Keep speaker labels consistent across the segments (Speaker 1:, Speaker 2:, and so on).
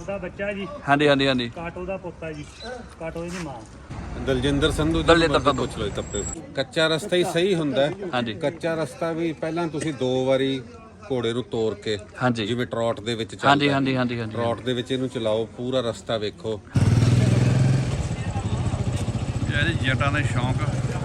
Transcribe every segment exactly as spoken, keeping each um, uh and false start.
Speaker 1: ਦਾ ਬੱਚਾ ਜੀ।
Speaker 2: ਹਾਂਜੀ ਹਾਂਜੀ ਹਾਂਜੀ
Speaker 1: ਕਾਟੋ ਦਾ ਪੁੱਤਾ ਜੀ, ਕਾਟੋ ਦੀ ਮਾਂ
Speaker 3: ਦਲਜਿੰਦਰ ਸੰਧੂ ਜੀ
Speaker 2: ਦਲਜਿੰਦਰ
Speaker 3: ਮਰਜ਼ੀ
Speaker 2: ਸੰਧੂ।
Speaker 3: ਪੁੱਛ ਲਓ ਤੱਪੇ। ਕੱਚਾ ਰਸਤਾ ਹੀ ਸਹੀ ਹੁੰਦਾ ਹੈ।
Speaker 2: ਹਾਂਜੀ
Speaker 3: ਕੱਚਾ ਰਸਤਾ ਵੀ ਪਹਿਲਾਂ ਤੁਸੀਂ ਦੋ ਵਾਰੀ ਘੋੜੇ ਨੂੰ ਤੋੜ ਕੇ,
Speaker 2: ਹਾਂਜੀ
Speaker 3: ਜਿਵੇਂ ਟਰੌਟ ਦੇ ਵਿੱਚ ਚੱਲਦਾ
Speaker 2: ਹਾਂਜੀ ਹਾਂਜੀ ਹਾਂਜੀ ਹਾਂਜੀ
Speaker 3: ਟਰੌਟ ਦੇ ਵਿੱਚ ਇਹਨੂੰ ਚਲਾਓ, ਪੂਰਾ ਰਸਤਾ ਵੇਖੋ।
Speaker 2: ਇਹਦੇ ਜੱਟਾਂ ਦੇ ਸ਼ੌਂਕ।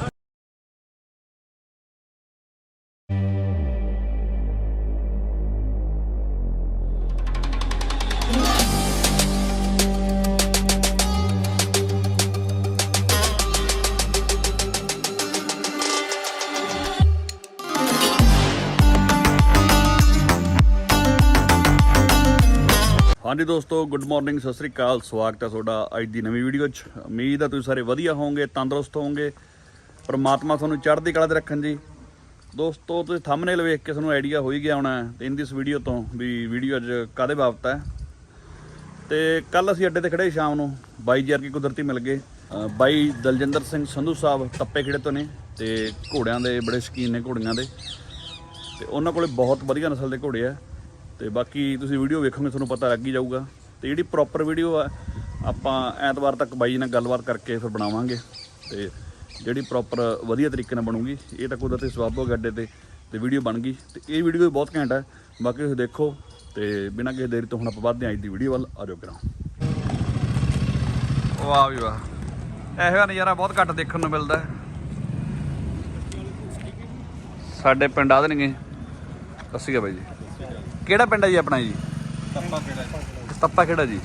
Speaker 2: ਹਾਂਜੀ ਦੋਸਤੋ, ਗੁੱਡ ਮਾਰਨਿੰਗ, ਸਤਿ ਸ੍ਰੀ ਅਕਾਲ। ਸਵਾਗਤ ਹੈ ਤੁਹਾਡਾ ਅੱਜ ਦੀ ਨਵੀਂ ਵੀਡੀਓ 'ਚ। ਉਮੀਦ ਹੈ ਤੁਸੀਂ ਸਾਰੇ ਵਧੀਆ ਹੋਵੋਗੇ, ਤੰਦਰੁਸਤ ਹੋਵੋਗੇ, ਪਰਮਾਤਮਾ ਤੁਹਾਨੂੰ ਚੜ੍ਹਦੀ ਕਲਾ 'ਤੇ ਰੱਖਣ ਜੀ। ਦੋਸਤੋ, ਤੁਸੀਂ ਥੰਬਨੇਲ ਵੇਖ ਕੇ ਤੁਹਾਨੂੰ ਆਈਡੀਆ ਹੋ ਹੀ ਗਿਆ ਹੋਣਾ ਤੇ ਇਨ ਦਿਸ ਵੀਡੀਓ ਤੋਂ ਵੀ ਵੀਡੀਓ ਅੱਜ ਕਾਹਦੇ ਬਾਬਤ ਹੈ। ਤੇ ਕੱਲ ਅਸੀਂ ਅੱਡੇ ਤੇ ਖੜੇ ਸ਼ਾਮ ਨੂੰ, ਬਾਈ ਜੀ ਅਰਕੀ ਕੁਦਰਤੀ ਮਿਲ ਗਏ। ਬਾਈ ਦਲਜਿੰਦਰ ਸਿੰਘ ਸੰਧੂ ਸਾਹਿਬ ਤੱਪੇ ਖੇੜੇ ਤੋਂ ਨੇ ਤੇ ਘੋੜਿਆਂ ਦੇ ਬੜੇ ਸ਼ੌਕੀਨ ਨੇ, ਘੋੜੀਆਂ ਦੇ, ਤੇ ਉਹਨਾਂ ਕੋਲੇ ਬਹੁਤ ਵਧੀਆ ਨਸਲ ਦੇ ਘੋੜੇ ਆ। ਤੇ ਬਾਕੀ ਤੁਸੀਂ ਵੀਡੀਓ ਵੇਖੋਗੇ ਤੁਹਾਨੂੰ ਪਤਾ ਲੱਗ ਹੀ ਜਾਊਗਾ। ਤੇ ਜਿਹੜੀ ਪ੍ਰੋਪਰ ਵੀਡੀਓ ਆ ਆਪਾਂ ਐਤਵਾਰ ਤੱਕ ਬਾਈ ਨਾਲ ਗੱਲਬਾਤ ਕਰਕੇ ਫਿਰ ਬਣਾਵਾਂਗੇ, ਤੇ ਜਿਹੜੀ ਪ੍ਰੋਪਰ ਵਧੀਆ ਤਰੀਕੇ ਨਾਲ ਬਣੂਗੀ। ਇਹ ਤਾਂ ਕੁਦਰਤੀ ਸਵਾਬ ਹੋ ਗਿਆ ਅੱਡੇ ਤੇ ਤੇ ਵੀਡੀਓ ਬਣ ਗਈ। ਤੇ ਇਹ ਵੀਡੀਓ ਵੀ ਬਹੁਤ ਘੈਂਟ ਹੈ, ਬਾਕੀ ਤੁਸੀਂ ਦੇਖੋ। ਤੇ ਬਿਨਾਂ ਕਿਸੇ ਦੇਰੀ ਤੋਂ ਹੁਣ ਆਪਾਂ ਵੱਧਦੇ ਹਾਂ ਅੱਜ ਦੀ ਵੀਡੀਓ ਵੱਲ। ਆ ਜਾਓ ਕਰਾਂ। ਵਾਹ ਵੀ ਵਾਹ, ਇਹੋ ਜਿਹਾ ਨਜ਼ਾਰਾ ਬਹੁਤ ਘੱਟ ਦੇਖਣ ਨੂੰ ਮਿਲਦਾ ਸਾਡੇ ਪਿੰਡ। ਆ ਦੇਣਗੇ। ਸੱਸੀ ਬਾਈ ਜੀ, ਕਿਹੜਾ ਪਿੰਡ ਹੈ ਜੀ ਆਪਣਾ ਜੀ?
Speaker 3: ਤੱਪਾ ਕਿਹੜਾ?
Speaker 2: ਤੱਪਾ ਖੇੜਾ ਜੀ।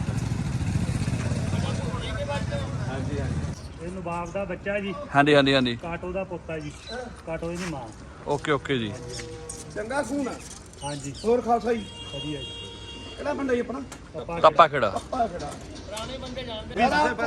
Speaker 3: ਹਾਂਜੀ ਹਾਂਜੀ।
Speaker 1: ਇਹ ਨਵਾਬ ਦਾ ਬੱਚਾ ਜੀ,
Speaker 2: ਹਾਂਜੀ ਹਾਂਜੀ ਹਾਂਜੀ
Speaker 1: ਕਾਟੋ ਦਾ ਪੁੱਤਾ ਜੀ, ਕਾਟੋ ਦੀ ਮਾਂ।
Speaker 2: ਓਕੇ ਓਕੇ ਜੀ।
Speaker 4: ਚੰਗਾ ਖੂਨ ਆ।
Speaker 1: ਹਾਂਜੀ
Speaker 4: ਹੋਰ ਖਾਲਸਾ ਜੀ,
Speaker 1: ਵਧੀਆ ਜੀ।
Speaker 4: ਕਿਹੜਾ ਪਿੰਡ ਹੈ ਜੀ ਆਪਣਾ?
Speaker 1: ਪਪਾ
Speaker 2: ਤੱਪਾ ਖੇੜਾ।
Speaker 4: ਪਾ ਖੜਾ ਪੁਰਾਣੇ ਬੰਦੇ ਜਾਣਦੇ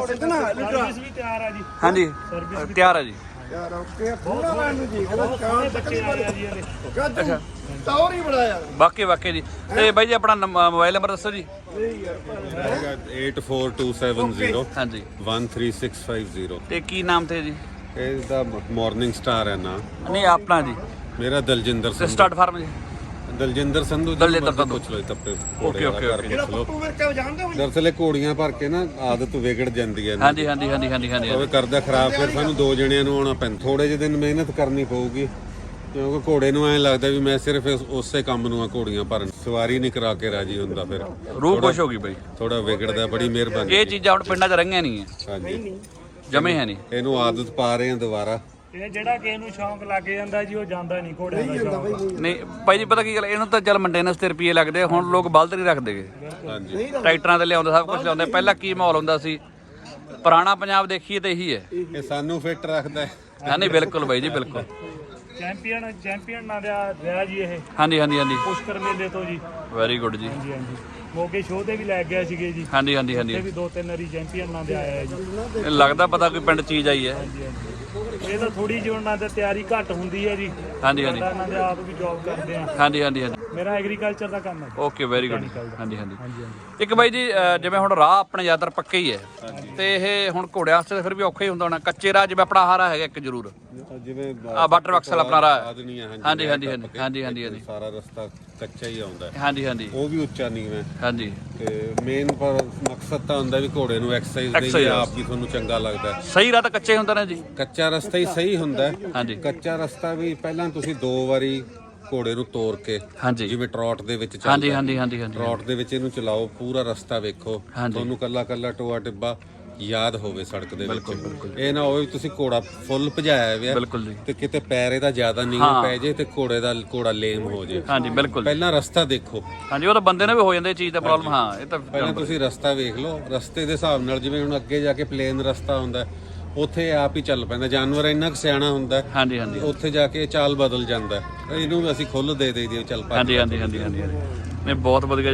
Speaker 4: ਨਾ ਲੀਡਰ
Speaker 1: ਸਰਵਿਸ ਵੀ ਤਿਆਰ ਆ ਜੀ।
Speaker 2: ਹਾਂਜੀ
Speaker 1: ਸਰਵਿਸ ਵੀ
Speaker 2: ਤਿਆਰ ਹੈ ਜੀ।
Speaker 4: ਯਾਰ ਓਕੇ ਪੂਰਾ ਲੈਣ ਨੂੰ ਜੀ ਕਹਿੰਦਾ
Speaker 1: ਬਹੁਤ
Speaker 4: ਚਾਹ
Speaker 1: ਸੋਹਣੇ ਬੱਚੇ ਆਏ ਆ ਜੀ ਇਹਦੇ।
Speaker 4: ਗੱਜੂ ਟੌਰ ਹੀ ਬੜਾ ਯਾਰ।
Speaker 2: ਵਾਕਈ ਵਾਕਈ ਜੀ। ਤੇ ਬਾਈ ਜੀ ਆਪਣਾ ਮੋਬਾਈਲ ਨੰਬਰ ਦੱਸੋ ਜੀ।
Speaker 4: ਨਹੀਂ ਯਾਰ
Speaker 3: ਹੈਗਾ eight four two seven zero
Speaker 2: ਹਾਂਜੀ
Speaker 3: one three six five zero।
Speaker 2: ਤੇ ਕੀ ਨਾਮ ਤੇ ਜੀ?
Speaker 3: ਇਹ ਦਾ ਮਾਰਨਿੰਗ ਸਟਾਰ ਹੈ ਨਾ।
Speaker 2: ਨਹੀਂ ਆਪਣਾ ਜੀ।
Speaker 3: ਮੇਰਾ ਦਲਜਿੰਦਰ
Speaker 2: ਤੇ
Speaker 3: ਸੰਧੂ।
Speaker 2: ਸਟਾਰਟ ਫਾਰਮ ਜੀ।
Speaker 3: ਦਲਜਿੰਦਰ ਸੰਧੂ ਜੀ
Speaker 2: ਦਲਜਿੰਦਰ
Speaker 3: ਮਰਜ਼ੀ
Speaker 2: ਸੰਧੂ।
Speaker 3: ਪੁੱਛ ਲਓ ਤੱਪੇ।
Speaker 2: Okay, okay, okay.
Speaker 4: ਜਿਹੜਾ ਪੱਪੂ ਵਿਰਕੇ ਜਾਣਦੇ ਹੋ?
Speaker 3: ਦਰਅਸਲ ਇਹ ਘੋੜੀਆਂ ਭਰ ਕੇ ਨਾ ਆਦਤ ਵਿਗੜ ਜਾਂਦੀ ਹੈ।
Speaker 2: ਹਾਂਜੀ ਹਾਂਜੀ ਹਾਂਜੀ ਹਾਂਜੀ ਹਾਂਜੀ
Speaker 3: ਉਹ ਕਰਦਾ ਖਰਾਬ, ਫਿਰ ਸਾਨੂੰ ਦੋ ਜਣਿਆਂ ਨੂੰ ਆਉਣਾ ਪੈਂਦਾ। ਥੋੜੇ ਜਿਹੇ ਦਿਨ ਮਿਹਨਤ ਕਰਨੀ ਪਊਗੀ, ਕਿਉਂਕਿ ਘੋੜੇ ਨੂੰ ਐਂ ਲੱਗਦਾ ਵੀ ਮੈਂ ਸਿਰਫ ਇਸ- ਉਸੇ ਕੰਮ ਨੂੰ ਆ ਘੋੜੀਆਂ ਭਰਨ, ਸਵਾਰੀ ਨਹੀਂ ਕਰਾ ਕੇ ਰਾਜੀ ਹੁੰਦਾ। ਫਿਰ
Speaker 2: ਰੂਹ ਖੁਸ਼ ਹੋ ਗਈ ਬਾਈ।
Speaker 3: ਥੋੜਾ ਵਿਗੜਦਾ। ਬੜੀ ਮਿਹਰਬਾਨੀ।
Speaker 2: ਇਹ ਚੀਜ਼ਾਂ ਹੁਣ ਪਿੰਡਾਂ 'ਚ ਰਹੀਆਂ ਨਹੀਂ ਹੈ,
Speaker 3: ਹਾਂਜੀ,
Speaker 2: ਜਮੇ ਹੈ ਨਹੀਂ।
Speaker 3: ਇਹਨੂੰ ਆਦਤ ਪਾ ਰਹੇ ਆ ਦੁਬਾਰਾ।
Speaker 1: ਇਹ ਜਿਹੜਾ ਕਿਸੇ ਨੂੰ ਸ਼ੌਂਕ ਲੱਗ ਜਾਂਦਾ ਜੀ, ਉਹ ਜਾਂਦਾ ਨਹੀਂ ਘੋੜਿਆਂ ਦਾ ਸ਼ੌਂਕ।
Speaker 2: ਨਹੀਂ ਭਾਈ ਜੀ, ਪਤਾ ਕੀ ਗੱਲ, ਇਹਨੂੰ ਤਾਂ ਚੱਲ ਮੇਨਟੇਨੈਂਸ ਤੇ ਰੁਪਏ ਲੱਗਦੇ ਆ। ਹੁਣ ਲੋਕ ਬਲਦ ਨਹੀਂ ਰੱਖਦੇਗੇ,
Speaker 3: ਹਾਂਜੀ,
Speaker 2: ਟਰੈਕਟਰਾਂ ਤੇ ਲਿਆਉਂਦੇ, ਸਭ ਕੁਝ ਲਿਆਉਂਦੇ। ਪਹਿਲਾਂ ਕੀ ਮਾਹੌਲ ਹੁੰਦਾ ਸੀ? ਪੁਰਾਣਾ ਪੰਜਾਬ ਦੇਖੀਏ ਤੇ ਇਹੀ ਹੈ।
Speaker 3: ਇਹ ਸਾਨੂੰ ਫਿੱਟ ਰੱਖਦਾ ਹੈ।
Speaker 2: ਹਾਂ ਨਹੀਂ ਬਿਲਕੁਲ ਬਾਈ ਜੀ, ਬਿਲਕੁਲ।
Speaker 1: ਚੈਂਪੀਅਨ ਚੈਂਪੀਅਨ ਨਾਲ ਦਾ ਰਿਹਾ ਜੀ ਇਹ
Speaker 2: ਹਾਂਜੀ ਹਾਂਜੀ ਹਾਂਜੀ
Speaker 1: ਪੁਸ਼ਕਰ ਮੇਲੇ ਤੋਂ ਜੀ।
Speaker 2: ਵੈਰੀ ਗੁੱਡ ਜੀ।
Speaker 1: ਹਾਂਜੀ ਹਾਂਜੀ। ਮੋਗੇ ਸ਼ੋਅ ਤੇ ਵੀ ਲੈ ਗਿਆ ਸੀਗੇ ਜੀ।
Speaker 2: ਹਾਂਜੀ ਹਾਂਜੀ ਹਾਂਜੀ
Speaker 1: ਇਹ ਵੀ ਦੋ ਤਿੰਨ ਵਾਰੀ ਚੈਂਪੀਅਨ ਨਾਲ ਦੇ ਆਇਆ ਜੀ।
Speaker 2: ਇਹ ਲੱਗਦਾ ਪਤਾ ਕੋਈ ਪਿੰਡ ਚੀਜ਼ ਆਈ ਹੈ।
Speaker 1: ਹਾਂਜੀ ਹਾਂਜੀ। ਇਹ ਤਾਂ ਥੋੜੀ ਜਿਹੀ ਉਹਨਾਂ ਦੀ ਤਿਆਰੀ ਘੱਟ ਹੁੰਦੀ ਹੈ ਜੀ।
Speaker 2: ਹਾਂਜੀ ਹਾਂਜੀ
Speaker 1: ਸਾਡਾ ਇਹਨਾਂ ਦੇ ਆਪ ਵੀ ਜੌਬ ਕਰਦੇ ਆ।
Speaker 2: ਹਾਂਜੀ ਹਾਂਜੀ ਹਾਂਜੀ
Speaker 1: ਮੇਰਾ ਐਗਰੀਕਲਚਰ ਦਾ ਕੰਮ ਹੈ।
Speaker 2: Okay, very good. ਹਾਂਜੀ ਹਾਂਜੀ
Speaker 1: ਹਾਂਜੀ ਹਾਂਜੀ।
Speaker 2: ਇੱਕ ਬਾਈ ਜੀ, ਅਹ ਜਿਵੇਂ ਹੁਣ ਰਾਹ ਆਪਣੇ ਜ਼ਿਆਦਾਤਰ ਪੱਕੇ ਹੀ ਹੈ, ਤੇ ਇਹ ਹੁਣ ਘੋੜਿਆਂ ਵਾਸਤੇ ਫਿਰ ਵੀ ਔਖਾ ਹੀ ਹੁੰਦਾ ਹੋਣਾ। ਕੱਚੇ ਰਾਹ ਜਿਵੇਂ ਆਪਣਾ ਹਾਰਾ ਹੈਗਾ ਇੱਕ ਜ਼ਰੂਰ,
Speaker 3: ਜਿਵੇਂ
Speaker 2: ਆ ਵਾਟਰ ਬਕਸਲ ਆਪਣਾ ਰਾਹ ਹੈ।
Speaker 3: ਆਦਨੀ ਹੈ।
Speaker 2: ਹਾਂਜੀ ਹਾਂਜੀ ਹਾਂਜੀ ਹਾਂਜੀ ਹਾਂਜੀ ਹਾਂਜੀ
Speaker 3: ਸਾਰਾ ਰਸਤਾ ਕੱਚਾ ਹੀ ਆਉਂਦਾ ਹੈ।
Speaker 2: ਹਾਂਜੀ ਹਾਂਜੀ
Speaker 3: ਉਹ ਵੀ ਉੱਚਾ ਨਹੀਂ ਹੈ।
Speaker 2: ਹਾਂਜੀ।
Speaker 3: ਤੇ ਮੇਨ ਪਰ ਮਕਸਦ ਤਾਂ ਹੁੰਦਾ ਵੀ ਘੋੜੇ ਨੂੰ ਐਕਸਰਸਾਈਜ਼ ਦੇਈਏ,
Speaker 2: Exercise।
Speaker 3: ਆਪ ਵੀ ਤੁਹਾਨੂੰ ਚੰਗਾ ਲੱਗਦਾ ਹੈ।
Speaker 2: ਸਹੀ ਰਾਹ ਤਾਂ ਕੱਚੇ ਹੁੰਦਾ ਨੇ ਜੀ।
Speaker 3: ਕੱਚਾ ਰਸਤਾ ਹੀ ਸਹੀ ਹੁੰਦਾ ਹੈ।
Speaker 2: ਹਾਂਜੀ
Speaker 3: ਕੱਚਾ ਰਸਤਾ ਵੀ ਪਹਿਲਾਂ ਤੁਸੀਂ ਦੋ ਵਾਰੀ ਘੋੜੇ ਨੂੰ ਤੋੜ ਕੇ,
Speaker 2: ਹਾਂਜੀ
Speaker 3: ਜਿਵੇਂ ਟਰੌਟ ਦੇ ਵਿੱਚ ਚੱਲਦਾ
Speaker 2: ਹਾਂਜੀ ਹਾਂਜੀ ਹਾਂਜੀ ਹਾਂਜੀ
Speaker 3: ਟਰੌਟ ਦੇ ਵਿੱਚ ਇਹਨੂੰ ਚਲਾਓ, ਪੂਰਾ ਰਸਤਾ ਵੇਖੋ।
Speaker 2: ਹਾਂਜੀ।
Speaker 3: ਤੁਹਾਨੂੰ ਕੱਲਾ ਕੱਲਾ ਟੋਆ ਟਿੱਬਾ ਯਾਦ ਹੋਵੇ ਸੜਕ ਦੇ ਵਿੱਚ। ਇਹ ਨਾ ਹੋਵੇ ਤੁਸੀਂ ਘੋੜਾ ਫੁੱਲ ਭਜਾਇਆ ਹੋਇਆ
Speaker 2: ਬਿਲਕੁਲ ਜੀ।
Speaker 3: ਤੇ ਕਿਤੇ ਪੈਰ ਇਹਦਾ ਜ਼ਿਆਦਾ ਨੀਵਾਂ ਪੈ ਜੇ ਤੇ ਘੋੜੇ ਦਾ ਘੋੜਾ ਲੇਮ ਹੋ ਜੇ।
Speaker 2: ਹਾਂਜੀ ਬਿਲਕੁਲ।
Speaker 3: ਪਹਿਲਾਂ ਰਸਤਾ ਦੇਖੋ।
Speaker 2: ਹਾਂਜੀ, ਉਹ ਤਾਂ ਬੰਦੇ ਨੇ ਵੀ ਹੋ ਜਾਂਦੇ ਇਹ ਚੀਜ਼ ਦਾ ਪ੍ਰੋਬਲਮ। ਹਾਂ, ਇਹ ਤਾਂ
Speaker 3: ਪਹਿਲਾਂ ਤੁਸੀਂ ਰਸਤਾ ਵੇਖ ਲਓ। ਰਸਤੇ ਦੇ ਹਿਸਾਬ ਨਾਲ, ਜਿਵੇਂ ਹੁਣ ਅੱਗੇ ਜਾ ਕੇ ਪਲੇਨ ਰਸਤਾ ਹੁੰਦਾ, ਉੱਥੇ ਆਪ ਹੀ ਚੱਲ ਪੈਂਦਾ। ਜਾਨਵਰ ਇੰਨਾ ਕੁ ਸਿਆਣਾ ਹੁੰਦਾ,
Speaker 2: ਹਾਂਜੀ ਹਾਂਜੀ
Speaker 3: ਉੱਥੇ ਜਾ ਕੇ ਚਾਲ ਬਦਲ ਜਾਂਦਾ। ਇਹਨੂੰ ਵੀ ਅਸੀਂ ਖੁੱਲ ਦੇ ਦੇਈਏ, ਚੱਲ ਪਾ।
Speaker 2: ਹਾਂਜੀ ਹਾਂਜੀ ਹਾਂਜੀ ਹਾਂਜੀ ਨਹੀਂ, ਬਹੁਤ ਵਧੀਆ ਜੀ।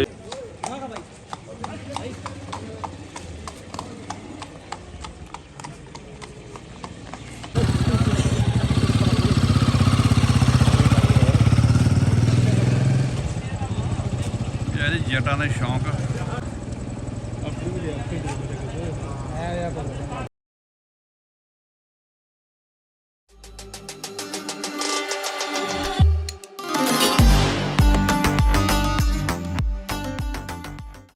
Speaker 2: ਇਹਦੇ ਜੱਟਾਂ ਦੇ ਸ਼ੌਂਕ।